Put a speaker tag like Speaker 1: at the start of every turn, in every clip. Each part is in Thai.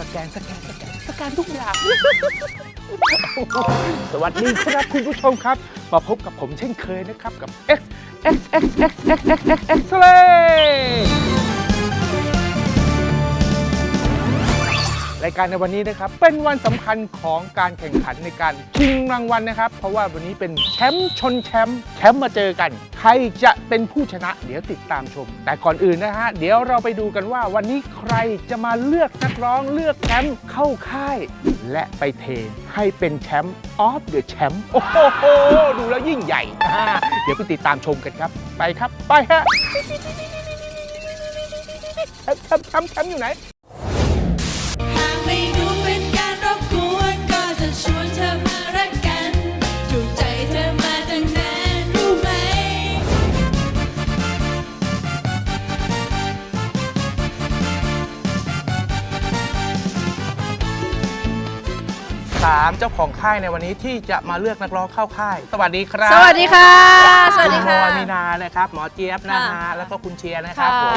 Speaker 1: แกนทุกอย่าง สวัสดีครับคุณผู้ชมครับมาพบกับผมเช่นเคยนะครับกับ X Ray รายการในวันนี้นะครับเป็นวันสำคัญของการแข่งขันในการชิงรางวัลนะครับเพราะว่าวันนี้เป็นแชมป์ชนแชมป์มาเจอกันใครจะเป็นผู้ชนะเดี๋ยวติดตามชมแต่ก่อนอื่นนะฮะเดี๋ยวเราไปดูกันว่าวันนี้ใครจะมาเลือกนักร้องเลือกแชมป์เข้าค่ายและไปเทให้เป็นแชมป์ออฟเดอะแชมป์โอ้โหดูแล้วยิ่งใหญ่เดี๋ยวไปติดตามชมกันครับไปครับไปฮะแชมป์อยู่ไหน
Speaker 2: ไม่ดูเป็นการรบกวนก็จะชวนเธอมารักกันถูกใจเธอมาตั้งนานรู้ไหม
Speaker 1: ถามเจ้าของค่ายในวันนี้ที่จะมาเลือกนักร้องเข้าค่ายสวัสดีครับ
Speaker 3: สวัสดีค่ะสวัสดีค่ะ
Speaker 1: คุณโมมีนานะครับหมอเจี๊ยบนะฮะแล้วก็คุณเชียร์นะครับผม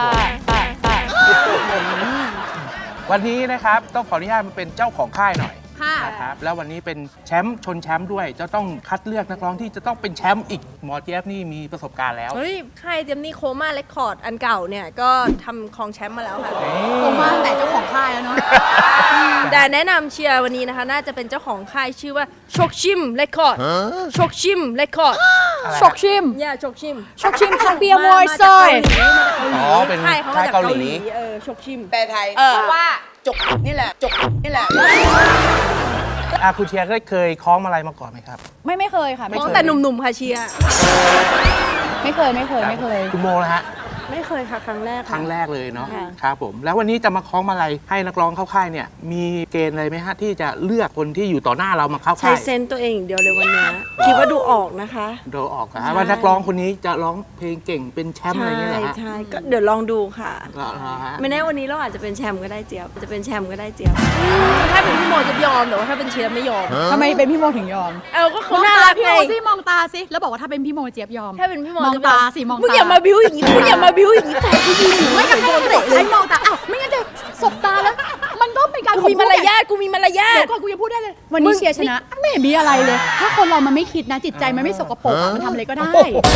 Speaker 1: วันนี้นะครับต้องขออนุญาตมาเป็นเจ้าของค่ายหน่อยนะครับแล้ววันนี้เป็นแชมป์ชนแชมป์ด้วยจะต้องคัดเลือกนักร้องที่จะต้องเป็นแชมป์อีกหมอเจี๊ยบนี่มีประสบการณ์แล้ว
Speaker 3: เฮ้ยค่ายเจมนี่โคม่าเรคคอร์ดอันเก่าเนี่ยก็ทำครองแชมป์มาแล้วค่ะ
Speaker 4: โคม่าตั้งแต่เจ้าของค่ายแล้วเนาะ
Speaker 3: แต่แนะนำเชียร์วันนี้นะคะน่าจะเป็นเจ้าของค่ายชื่อว่าชกชิมเรคคอร์ดชกชิมเรคคอร์ด
Speaker 4: ชกชิม
Speaker 3: ย่าชกชิม
Speaker 4: ชกชิมคังเบียร์มวยซอย
Speaker 1: อ๋อเป็น
Speaker 3: ค่ายเขามาจาก
Speaker 1: ค่ายเกา
Speaker 3: เกา
Speaker 1: ห
Speaker 3: ห
Speaker 1: ลี
Speaker 3: ลีชกชิม
Speaker 5: แปลไทยเพราะว่าจกนี่แหละจกนี่แหละ
Speaker 1: คุณเชียร์เคยคล้องอะไรมาก่อนไหมครับ
Speaker 4: ไม่เคยค่ะ
Speaker 3: มองแต่หนุ่มๆค่ะเชียร์
Speaker 4: ไม่เคย
Speaker 1: คุณโมนะฮะ
Speaker 3: ไม่เคยค่ะครั้งแรก
Speaker 1: ครั้งแรกเลยเนาะ
Speaker 3: ค่ะ
Speaker 1: ครับผมแล้ววันนี้จะมาคล้องมาลัยให้นักร้องเข้าค่ายเนี่ยมีเกณฑ์อะไรไหมฮะที่จะเลือกคนที่อยู่ต่อหน้าเรามาเข้า
Speaker 3: ใช้
Speaker 1: ค่าย
Speaker 3: เซนต์ตัวเองอย่างเดียวเลยวันนี้คิดว่าดูออกนะคะ
Speaker 1: ดูออกนะว่านักร้องคนนี้จะร้องเพลงเก่งเป็นแชมป์อะไรอย่างเงี้ยเหรอฮะ
Speaker 3: ใช่ก็เดี๋ยวลองดูค่ะ
Speaker 1: เหรอฮะ
Speaker 3: ไม่แน่วันนี้เราอาจจะเป็นแชมป์ก็ได้เจี๊ยบจะเป็นแชมป์ก็ได้เจี๊ยบถ้าเป็นพี่โมจะยอมแต่ว่าถ้าเป็นเชียร์ไม่ยอม
Speaker 4: ทำไมเป็นพี่โมถึงยอม
Speaker 3: ก็เขาน่ารัก
Speaker 4: พี่
Speaker 3: ไง
Speaker 4: โมสิมองตาสิแล้วบอกว่าถ้าเป็นพี่โมเจี๊ยบยอม
Speaker 3: ถ้าเป็นพี่โม
Speaker 4: มอง
Speaker 3: จะ
Speaker 4: ตาสิมองตา
Speaker 3: มึงอย่ามาบิ้วอย่างนี้มึงอย่ามาบิ้วอย่างนี้แฟนกูยืนอยู่
Speaker 4: ไม่กับ
Speaker 3: โดนเตะเล
Speaker 4: ให้
Speaker 3: ย
Speaker 4: มองตาอ้าวไม่งั้นจะสบตาแล้ว มันก็เป็นการ
Speaker 3: กูมีมารยาทกูมีมารยา
Speaker 4: เดี๋
Speaker 3: ท
Speaker 4: ยวก่อนกูจะพูดได้เลย วันนี้เชียร์ชนะไม่เห็นมีอะไรเลย ถ้าคนเรามันไม่คิดนะจิตใจมันไม่สกปรกอะมันทำอะไรก็ได้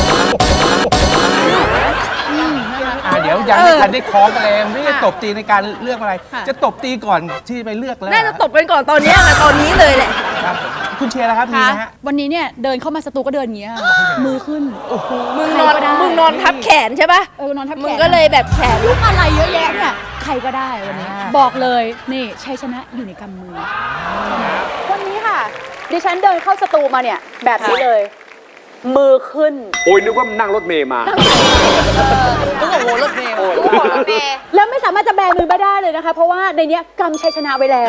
Speaker 4: นะคะ
Speaker 1: เดี๋ยวยังไม่ทันได้คล้องกันเลยไม่ได้ตบตีในการเลือกอะไร
Speaker 4: ค่ะ
Speaker 1: จะตบตีก่อนที่ไปเลือกแล้ว
Speaker 3: น่าจะตบกันก่อนตอนนี้ค่ะตอนนี้เลยแหละ
Speaker 1: ครับผมคุณเชียร์นะครับมี
Speaker 4: ค่ะ
Speaker 1: ไหมฮะ
Speaker 4: วันนี้เนี่ยเดินเข้ามาสตูก็เดินอย่างเงี้ยมือขึ้น
Speaker 3: มึง
Speaker 4: ใคร
Speaker 3: นอน
Speaker 4: ก็ได้
Speaker 3: มึงนอนทับแขนใช่ปะ
Speaker 4: นอนทับแขน
Speaker 3: มึงก็เลยแบบแขน
Speaker 4: ลูกอะไรเยอะแยะเนี่ยใครก็ได้วันนี้ บอกเลยนี่ชัยชนะอยู่ในกำมือ วันนี้ค่ะ ดิฉันเดินเข้าสตูมาเนี่ยแบบนี้เลย มือขึ้น
Speaker 6: โอ้ยนึกว่านั่งรถเมย์มา
Speaker 5: โอ้โหรถเมล์
Speaker 4: แล้วไม่สามารถจะแบมือมาได้เลยนะคะ เพราะว่าในเนี้ยกำชัยชนะไว้แล้ว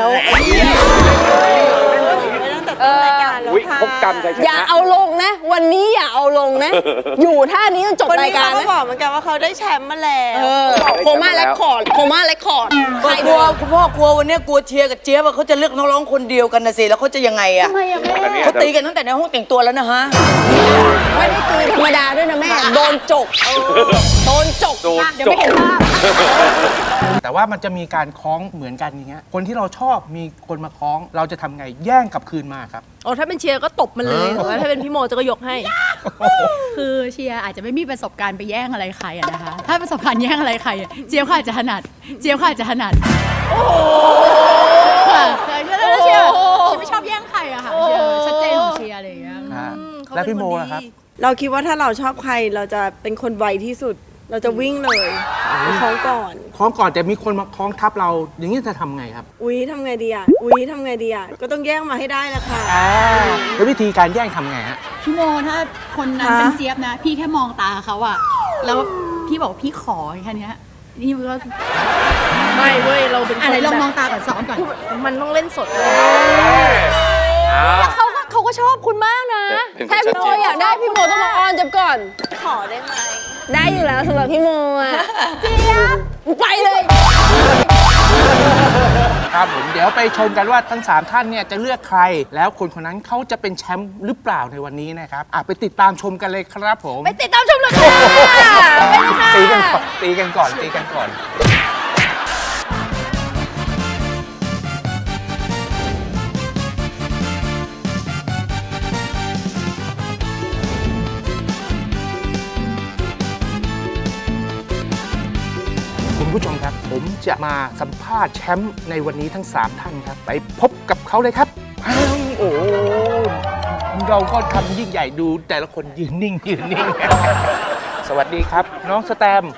Speaker 6: วิพบกรรมชัยช
Speaker 7: อย่า
Speaker 6: นะ
Speaker 7: เอาลงนะ วันนี้อย่าเอาลงนะ อยู่ท่านี้จนจบ
Speaker 3: คน
Speaker 7: รา
Speaker 3: นี้
Speaker 7: ยกา
Speaker 3: เขา
Speaker 7: ร
Speaker 3: ก็
Speaker 7: นะ
Speaker 3: บอกเหมือนกันว่าเขาได้แชมป์มาแล้ว
Speaker 7: โคม่าเรคคอร์ดโคม่าเรคคอร์ดใคร
Speaker 5: ก
Speaker 7: ดู
Speaker 5: ลัวคุณพ่อกลัววันนี้กลัวเชียร์กับเจี๊ยบว่าเขาจะเลือกนักร้องคนเดียวกันนะสิแล้วเขาจะยังไงอะ
Speaker 4: ทำไมอะแม่
Speaker 6: อันนี้
Speaker 5: เขาตีกันตั้งแต่ในห้องแต่งตัวแล้วนะฮะ
Speaker 7: ไม่ได้ตีธรรมดาด้วยนะแม่ โดนจกโดนจก
Speaker 6: โดน
Speaker 4: เดี๋ยว
Speaker 6: จ
Speaker 4: ไม่
Speaker 6: บ
Speaker 4: เห็นภาพ
Speaker 1: แต่ว่ามันจะมีการคล้องเหมือนกันอย่างเงี้ยคนที่เราชอบมีคนมาคล้องเราจะทำไงแย่งกลับคืนมาครับ
Speaker 3: โอ้ถ้าเป็นเชียร์ก็ตบมันเลยแต่ว่าถ้าเป็นพี่โมจะก็ยกให้
Speaker 4: คือเชียร์อาจจะไม่มีประสบการณ์ไปแย่งอะไรใครอะนะคะ ถ้าประสบการณ์แย่งอะไรใครอะเจี๊ยบค่ะอาจจะถนัด เจี๊ยบค่ะอาจจะถนัด โอ้โหแล้วเชียร์ไม่ชอบแย่งใครอะค่ะเชียร์ชัดเจนของเชียร์อะไรอย่างเงี้ย
Speaker 3: เขา
Speaker 1: แล้ว
Speaker 3: เป็น
Speaker 1: พี่โม
Speaker 3: คน
Speaker 1: ล่ะครับ
Speaker 3: ดีเราคิดว่าถ้าเราชอบใครเราจะเป็นคนไวที่สุด เราจะวิ่งเลยไปคล้องก่อน
Speaker 1: คล้องก่อนแต่มีคนมาคล้องทับเรา อย่างนี้จะทำไงครับ
Speaker 3: อุ๊ยทำไงดีอ่ะก็ต้องแย่งมาให้ได้แหละค่ะ
Speaker 1: แล้ววิธีการแย่งทำไงฮะ
Speaker 4: พี่โมถ้าคนนั้น
Speaker 3: ฮะ
Speaker 4: เป็นเจี๊ยบนะ พี่แค่มองตาเขาอะแล้วพี่บอกพี่ขอแค่เนี้ยนี่มันก็
Speaker 3: ไม่เว้ยเราเป็นคน
Speaker 4: อะไรลองมอง
Speaker 3: แบบ
Speaker 4: ตาก่อนซ้อมก่อน
Speaker 3: มันต้องเล่นสดเลย
Speaker 4: เขาก็ชอบคุณมากนะ
Speaker 7: ถ้าพี่โมอยากได้พี่โมต้องมาอ้อนจับก่อน
Speaker 3: ขอได้ไหม
Speaker 7: ได้อยู่แล้วสำหรับพี่โมอ่ะเจี๊ยบไปเลย
Speaker 1: ครับผมเดี๋ยวไปชมกันว่าทั้ง 3 ท่านเนี่ยจะเลือกใคร แล้วคนคนนั้นเขาจะเป็นแชมป์หรือเปล่าในวันนี้นะครับไปติดตามชมกันเลยครับผม
Speaker 3: ไปติดตามชมเลยค่ะไปเลยค่ะ
Speaker 1: ตีกันก่อนจะมาสัมภาษณ์แชมป์ในวันนี้ทั้ง 3 ท่านครับ ไปพบกับเขาเลยครับอ้าวโอ้เราก็ทำยิ่งใหญ่ดูแต่ละคนยืนนิ่ง สวัสดีครับ น้องสแตมป์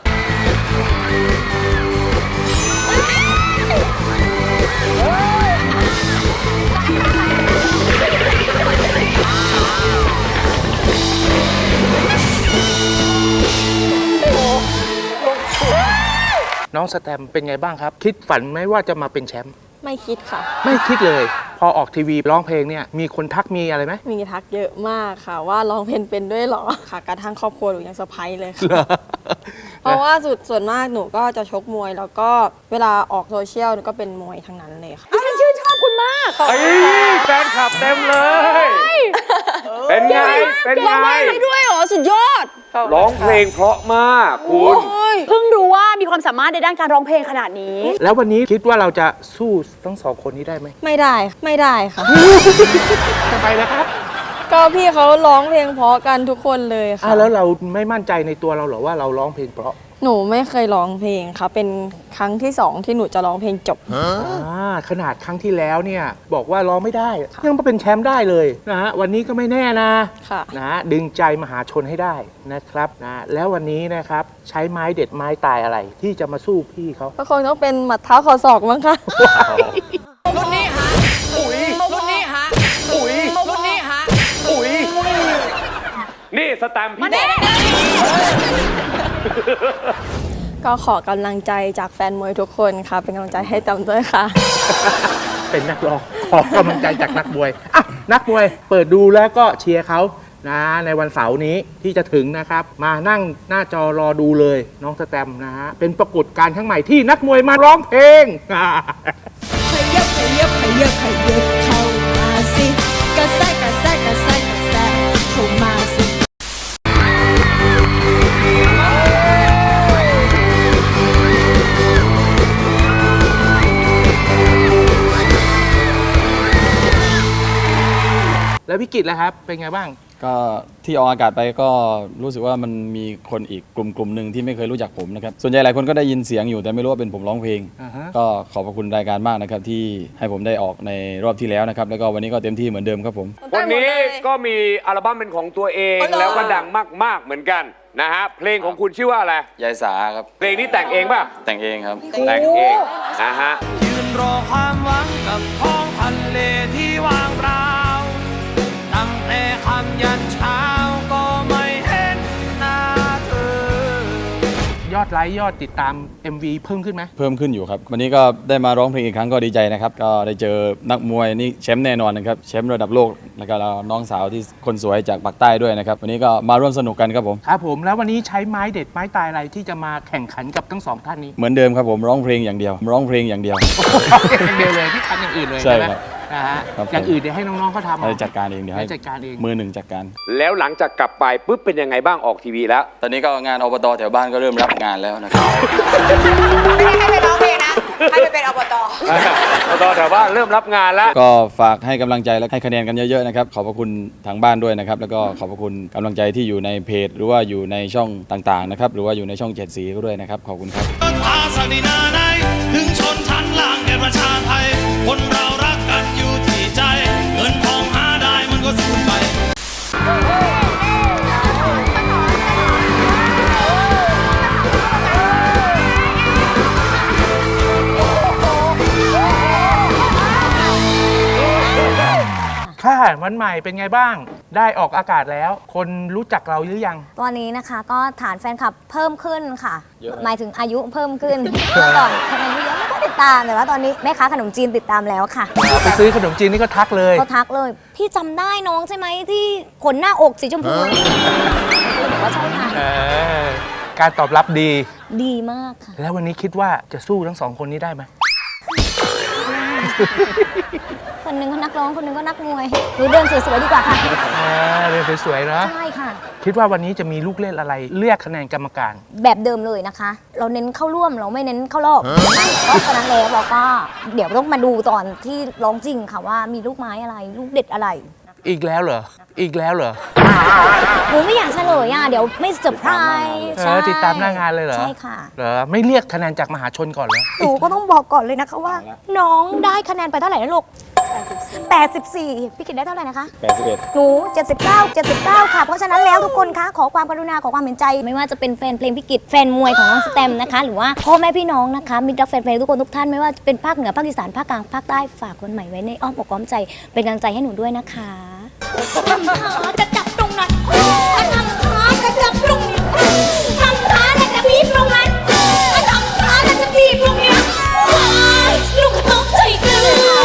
Speaker 1: น้องสแตมป์เป็นไงบ้างครับ คิดฝันไหมว่าจะมาเป็นแชมป์
Speaker 8: ไม่คิดค่ะ
Speaker 1: ไม่คิดเลย พอออกทีวีร้องเพลงเนี่ยมีคนทักมีอะไรไหม
Speaker 8: มีทักเยอะมากค่ะ ว่าร้องเพลงเป็นด้วยเหรอค่ะกระทั่งครอบครัวหนูยังเซอร์ไพรส์เลยค่ะ เพราะว่าส่วนมากหนูก็จะชกมวย แล้วก็เวลาออกโซเชียลหนูก็เป็นมวยทั้งนั้นเลยค่ะ
Speaker 4: ฉันชื่นชอบคุณมาก
Speaker 6: ไอ้แฟนคลับเต็มเลย เป็นไง เป็นไง
Speaker 7: ได้ด้วยเหรอ สุดยอด
Speaker 6: ร้องเพลงเพราะมากคุณ
Speaker 4: เพิ่งรู้ว่ามีความสามารถในด้านการร้องเพลงขนาดนี้
Speaker 1: แล้ววันนี้คิดว่าเราจะสู้ทั้งสองคนนี้ได้ไหม
Speaker 8: ไม่ได้ค่ะ
Speaker 1: ทำไมนะครับ
Speaker 8: ก็พี่เขาร้องเพลงเพราะกันทุกคนเลยค่ะ
Speaker 1: แล้วเราไม่มั่นใจในตัวเราเหรอว่าเราร้องเพลงเพราะ
Speaker 8: หนูไม่เคยร้องเพลงค่ะ เป็นครั้งที่ 2 ที่หนูจะร้องเพลงจบ
Speaker 1: ขนาดครั้งที่แล้วเนี่ยบอกว่าร้องไม่ได้ ยังมาเป็นแชมป์ได้เลยนะฮะวันนี้ก็ไม่แน่นะ
Speaker 8: ค่ะ
Speaker 1: นะดึงใจมหาชนให้ได้นะครับนะแล้ววันนี้นะครับใช้ไม้เด็ดไม้ตายอะไร ที่จะมาสู้พี่เขา
Speaker 8: ก็คงต้องเป็นหมัดเท้าเข่าศอกมั้งคะ
Speaker 5: รุ่นนี้ฮะอุ้ยรุ่นนี้ฮะอุ้ยรุ่นนี้ฮะอุ้ย
Speaker 6: นี่สแตมป์พี่บอก
Speaker 8: ก็ขอกำลังใจจากแฟนมวยทุกคนค่ะ เป็นกำลังใจให้จำด้วยค่ะ
Speaker 1: เป็นนักร้องขอกำลังใจจากนักมวยอ่ะนักมวยเปิดดูแล้วก็เชียร์เขานะในวันเสาร์นี้ที่จะถึงนะครับ มานั่งหน้าจอรอดูเลยน้องสแตมป์นะฮะเป็นปรากฏการณ์ครั้งใหม่ที่นักมวยมาร้องเพลง
Speaker 2: ขยับขยับขยับขยับเข้ามาสิกระแทกกระแทกกระแทกกระแทกเข้ามาสิ
Speaker 1: แล้ววิกฤตแล้วครับเป็นไงบ้าง
Speaker 9: ก็ที่ออกอากาศไปก็รู้สึกว่ามันมีคนอีกกลุ่มหนึ่งที่ไม่เคยรู้จักผมนะครับส่วนใหญ่หลายคนก็ได้ยินเสียงอยู่แต่ไม่รู้ว่าเป็นผมร้องเพลง ก็ขอบพระคุณรายการมากนะครับที่ให้ผมได้ออกในรอบที่แล้วนะครับแล้วก็วันนี้ก็เต็มที่เหมือนเดิมครับผม
Speaker 6: วันนี้ก็มีอัลบั้มเป็นของตัวเองแล้วก็ดังมากๆเหมือนกันนะฮะ เพลงของคุณชื่อว่าอะไร
Speaker 9: ยายสาครับ
Speaker 6: เพลงนี้แต่งเองป่ะ
Speaker 9: แต่งเองครับ
Speaker 6: แต่งเองนะฮะ
Speaker 10: ยืนรอความหวังกับท้องทะเลที่ว่างเปล่าตั้งแต่ค่ำยันเช้าก็ไม่เห็นหน้าเธอ
Speaker 1: ยอดไลค์ยอดติดตาม MV เพิ่มขึ้นไหม
Speaker 9: เพิ่มขึ้นอยู่ครับวันนี้ก็ได้มาร้องเพลงอีกครั้งก็ดีใจนะครับก็ได้เจอนักมวยนี่แชมป์แน่นอนนะครับแชมป์ระดับโลกแล้วก็น้องสาวที่คนสวยจากปากใต้ด้วยนะครับวันนี้ก็มาร่วมสนุกกันครับผม
Speaker 1: ครับผมแล้ววันนี้ใช้ไม้เด็ดไม้ตายอะไรที่จะมาแข่งขันกับทั้งสองท่านนี้
Speaker 9: เหมือนเดิมครับผมร้องเพลงอย่างเดียวร้องเพลงอย่างเดียว
Speaker 1: อย่างเดียวเลยที่ทำอย่างอื่นเลย
Speaker 9: ใช่
Speaker 1: ไหม
Speaker 9: ครับ
Speaker 1: นะฮะ
Speaker 9: ครับผม
Speaker 1: อย่างอื่นเดี๋ยวให้น้องๆเขาทำเอา
Speaker 9: ให้จัดการเองเดี๋ยวให้
Speaker 1: จัดการเอง
Speaker 9: มือหนึ่งจัดการ
Speaker 6: แล้วหลังจากกลับไปปุ๊บเป็นยังไงบ้างออกทีวีแล้ว
Speaker 9: ตอนนี้ก็งานอบตแถวบ้านก็เริ่มรับงานแล้วนะครับ
Speaker 5: ไม่ได้ให้ไปร้องเพลงนะ ให้ไปเป็นอบต
Speaker 6: ตอนแต่ว่าเริ่มรับงานแล้ว
Speaker 9: ก็ฝากให้กำลังใจและให้คะแนนกันเยอะๆนะครับขอบพระคุณทางบ้านด้วยนะครับแล้วก็ขอบพระคุณกำลังใจที่อยู่ในเพจ หรือว่าอยู่ในช่องต่างๆนะครับหรือว่าอยู่ในช่อง7สีก็ด้วยนะครับขอบคุณครับ
Speaker 10: พาสักดินาไหนถึงชนชั้นล่างแก่ประชาไทย คนเรารักกันอยู่ที่ใจ เงินทองหาได้มันก็สูญไป
Speaker 1: ค่ะวันใหม่เป็นไงบ้าง ได้ออกอากาศแล้ว คนรู้จักเราหรือยัง
Speaker 11: ตอนนี้นะคะก็ฐานแฟนคลับเพิ่มขึ้นค่ะ
Speaker 9: เยอะไหม
Speaker 11: หมายถึงอายุเพิ่มขึ้น เมื่อก่อนคะแนนเยอะไม่ค่อยติดตามแต่ว่าตอนนี้แม่ค้าขนมจีนติดตามแล้วค่ะ
Speaker 1: ไปซื้อขนมจีนนี่ก็ทักเลย
Speaker 11: เขาทักเลย พี่จำได้น้องใช่ไหมที่ขนหน้าอกสีชมพูบอกว่าใช่ค่ะ
Speaker 1: การตอบรับดี
Speaker 11: ดีมากค่ะ
Speaker 1: แล้ววันนี้คิดว่าจะสู้ทั้งสองคนนี้ได้ไหม
Speaker 11: คนหนึงเขานักร้องคนหนึงก็นักมวยหรือเดินสวยๆดีกว่าค่ะ
Speaker 1: เรียนสวยๆเนาะ
Speaker 11: ใช่ค่ะ
Speaker 1: คิดว่าวันนี้จะมีลูกเล่นอะไรเรียกคะแนนกรรมการ
Speaker 11: แบบเดิมเลยนะคะ เราเน้นเข้าร่วมเราไม่เน้นเข้ารอบนะคะเพราะฉะนั้นแล้วเราก็เดี๋ยวต้องมาดูตอนที่ร้องจริงค่ะว่ามีลูกไม้อะไร ลูกเด็ดอะไร
Speaker 1: อีกแล้วเหรออีกแล้วเหรอ
Speaker 11: หนูไม่อยากเฉลยอ่ะเดี๋ยวไม่เซอร์ไพรส์ใช่
Speaker 1: ติดตามหน้างานเลยเหรอ
Speaker 11: ใช่ค่ะ
Speaker 1: เหรอไม่เรียกคะแนนจากมหาชนก่อนเหรอ
Speaker 11: หนูก็ต้องบอกก่อนเลยนะคะว่า น้องได้คะแนนไปเท่าไหร่นะลูก84พี่กิตได้เท่าไหร่นะคะ
Speaker 9: 81
Speaker 11: หนู79ค่ะ เพราะฉะนั้นแล้วทุกคนคะขอความกรุณาขอความเห็นใจ ไม่ว่าจะเป็นแฟนเพลงพี่กิตแฟนมวยของน้องสแตมนะคะ หรือว่าพ่อแม่พี่น้องนะคะมิตรรักแฟนเพลงทุกคนทุกท่านไม่ว่าจะเป็นภาคเหนือภาคอีสานภาคกลางภาคใต้ฝากคนใหม่ไว้ในอ้อมอกอ้อมใจเป็นกำลังใจให้หนูด้วยนะคะทำขาจะจับตรงนั้นทำขาจะจับตรงนี้ทำขาจะบีบตรงนั้นทำขาจะบีบตรงนี้ลูกต้องใจเกิน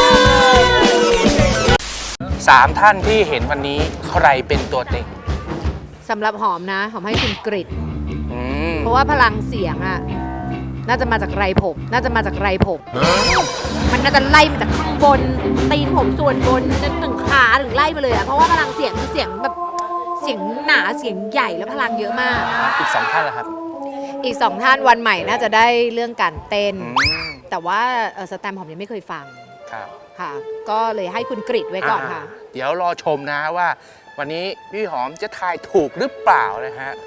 Speaker 1: 3 ท่านที่เห็นวันนี้ใครเป็นตัวเต็ง
Speaker 12: สำหรับหอมนะหอมให้คุณกริดเพราะว่าพลังเสียงอะน่าจะมาจากไรผมมันน่าจะไล่มาจากข้างบนตีนผมส่วนบนจนถึงขาถึงไล่ไปเลยอะเพราะว่าพลังเสียงคือเสียงแบบเสียงหนาเสียงใหญ่แล้วพลังเยอะมาก
Speaker 1: อีก 2 ท่านล่ะครับ
Speaker 12: อีก 2 ท่านวันใหม่น่าจะได้เรื่องการเต้น แต่ว่าสแตมป์หอมยังไม่เคยฟัง
Speaker 1: ครับ
Speaker 12: ค่ะ ก็เลยให้คุณกริดไว้ก่อนค่ะ
Speaker 1: เดี๋ยวรอชมนะว่าวันนี้พี่หอมจะทายถูกหรือเปล่านะฮะ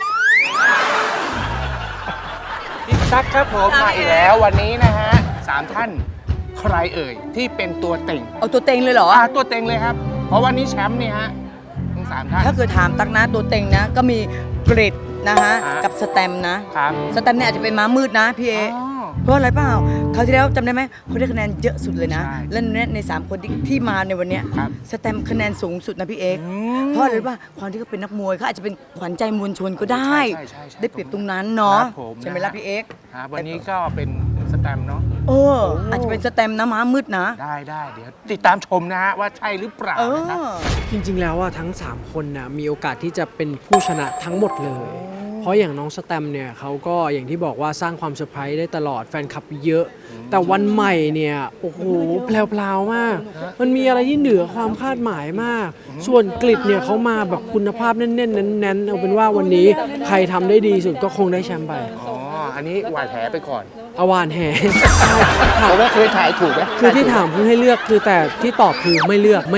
Speaker 1: พี่ตั๊กครับผมมาอีกแล้ววันนี้นะฮะ3 ท่านใครเอ่ยที่เป็นตัวเต็ง
Speaker 5: เอาตัวเต็งเลยเหรอ
Speaker 1: ตัวเต็งเลยครับ เพราะวันนี้แชมป์เนี่ยฮะทั้ง3 ท่าน
Speaker 5: ถ้าเกิดถามตักนะตัวเต็งนะ ก็มีกริดนะฮะ กับสแตมนะ
Speaker 1: ครับ
Speaker 5: สแตมเนี่ยอาจจะเป็นม้ามืดนะพี่เอ เพราะอะไรเปล่าคราวที่แล้วจำได้ไหมเขาได้คะแนนเยอะสุดเลยนะ และใน3 คนที่มาในวันเนี้ยสแตมป์คะแนนสูงสุดนะพี่เอกเพราะอะไรรู้ป่ะความที่เขาเป็นนักมวยเขาอาจจะเป็นขวัญใจมวลชนก็ได้ ได้เปรียบตรงนั้นเนาะใช่ไหมล่ะพี่เอก
Speaker 1: วันนี้ก็เป็นสแตมป์เนาะ
Speaker 5: อาจจะเป็นสแตมป์นะม้ามืดนะ
Speaker 1: ได้เดี๋ยวติดตามชมนะฮะว่าใช่หรือเปล่านะครับ
Speaker 13: จริงๆ แล้วอะทั้ง 3 คนนะมีโอกาสที่จะเป็นผู้ชนะทั้งหมดเลย เพราะอย่างน้องสแตมป์เนี่ยเขาก็อย่างที่บอกว่าสร้างความเซอร์ไพรส์ได้ตลอดแฟนคลับเยอะ แต่วันใหม่เนี่ยโอ้โหแพลวๆมาก มันมีอะไรที่เหนือความคาดหมายมาก ส่วนกริดเนี่ยเขามาแบบคุณภาพแน่นๆแน่นๆเอาเป็นว่าวันนี้ใครทำได้ดีสุดก็คงได้แชมป์ไป
Speaker 1: อันนี้หวานแหไปก่อน
Speaker 13: เอาหวานแห
Speaker 1: ผมว่าเคยถ่ายถูกไหม
Speaker 13: คือที่ถามเพื่อให้เลือกคือแต่ที่ตอบคือไม่เลือก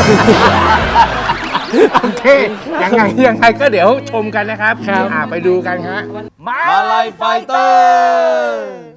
Speaker 1: โอเค ยังไงก็เดี๋ยวชมกันนะครับ ไปดูกันฮะ
Speaker 9: มาลายไฟเตอร์